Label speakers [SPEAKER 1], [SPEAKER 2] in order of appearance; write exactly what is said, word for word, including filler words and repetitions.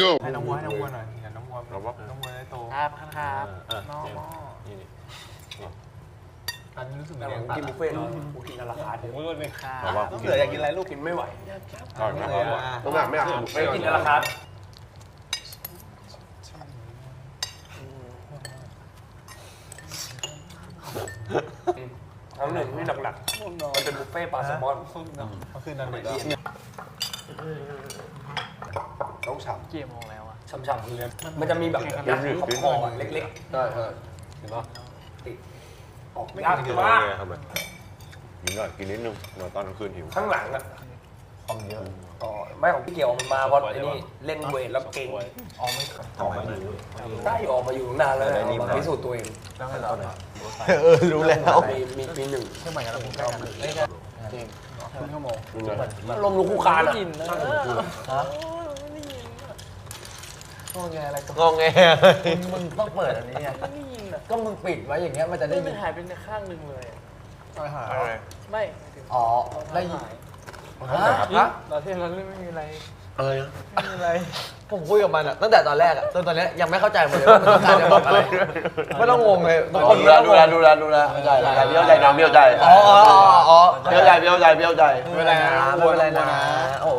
[SPEAKER 1] ให้น้องวัวให้น้องวัวหน่อยอย่าน้องวัวน้องวัวได้โต
[SPEAKER 2] ครับครับน้อง
[SPEAKER 3] นี่นี่
[SPEAKER 1] อันนี้รู้สึก
[SPEAKER 4] แต่
[SPEAKER 1] เลี้ยง
[SPEAKER 4] ผมกินบุฟเฟ่ต์กูกินราคาถึง
[SPEAKER 2] ครับ
[SPEAKER 3] แต่ว่า
[SPEAKER 4] ต้องเหลืออยากกินอะไรลูกกินไม่ไหว
[SPEAKER 3] ก่อนนะครับ
[SPEAKER 5] ต้องหนักไม่อยากกินบุฟ
[SPEAKER 4] ไม่
[SPEAKER 5] เฟ่ต์
[SPEAKER 4] กินราคาครั้งหนึ่งที่หลักๆมันเป็นบุฟเฟ่ต์ปลาแซลมอน
[SPEAKER 1] เขาคือนอนเด็ก
[SPEAKER 5] ต้องฉ่
[SPEAKER 2] กี่โมงแล้วอ่ะ
[SPEAKER 4] ช่ำๆเลยมันจะมีแบบยัดคอคอเล็ก
[SPEAKER 5] ำใช่ใช่เห็นปะ
[SPEAKER 4] ๆออกยาก
[SPEAKER 3] กิน
[SPEAKER 4] มาก
[SPEAKER 3] เลยครับกินหน่อยกินนิดนึงเดี๋ยวตอนกลางคืนหิว
[SPEAKER 4] ข้างหลังอ่ะ
[SPEAKER 5] ความเยอะ
[SPEAKER 4] อ๋อไม่ของพี่เกี่ยวมันมาเพราะไอ้นี่เล่นเวทแล้วเก่ง
[SPEAKER 5] ออกไม่ออกไม่รู้
[SPEAKER 4] ได้ออกมาอยู่นานแล้วนะมาพิสูจน์ตัวเอง
[SPEAKER 1] แล้วให้เราเนี่ย
[SPEAKER 5] เออรู้แล้ว
[SPEAKER 4] มีมีมีหนึ่ง
[SPEAKER 1] เชื่อใหม่กันแล้วคุณใกล้กันไม่ได้ครึ่งชั่วโมง
[SPEAKER 4] ลมลุกคู่คาน
[SPEAKER 2] ไม่
[SPEAKER 4] อ่ะ
[SPEAKER 2] กินนะ
[SPEAKER 5] ฮะ
[SPEAKER 1] งอแงอะไรก็
[SPEAKER 5] งงแงมึงต้องเปิดอันนี้ไง
[SPEAKER 2] ไม่ได้ยินอ่ะ
[SPEAKER 5] ก็มึงปิดไว้อย่างเงี้ยมันจะได้
[SPEAKER 2] ได้
[SPEAKER 5] ยิ
[SPEAKER 2] มัน นหายไปในข้างหนึ่งเลย
[SPEAKER 1] อะไรหาย
[SPEAKER 2] ไม่
[SPEAKER 5] อ๋อได้ยิน
[SPEAKER 2] ฮะ
[SPEAKER 5] ฮะ
[SPEAKER 2] ตอนที่เราเล่นไม่มีอะไร
[SPEAKER 5] อะไร
[SPEAKER 2] ไม่มีอะไร
[SPEAKER 5] ผมคุยกับมันอะตั้งแต่ตอนแรกอะจนตอนนี้ยังไม่เข้าใจหมดเลยว่ามันต้องการจะบอกอะไรไม่ต้องงงเลยทุกคน
[SPEAKER 6] ดูแลดูแลดูแลดูแลเข้าใจเบี้ยวใจน้องเบี้ยวใจ
[SPEAKER 5] อ๋ออ๋ออ๋อ
[SPEAKER 6] เบี้ยวใจเบี้ยวใจเบี้ยวใจ
[SPEAKER 5] ไม่เป็นไรนะไม่เป็นไรนะโอ้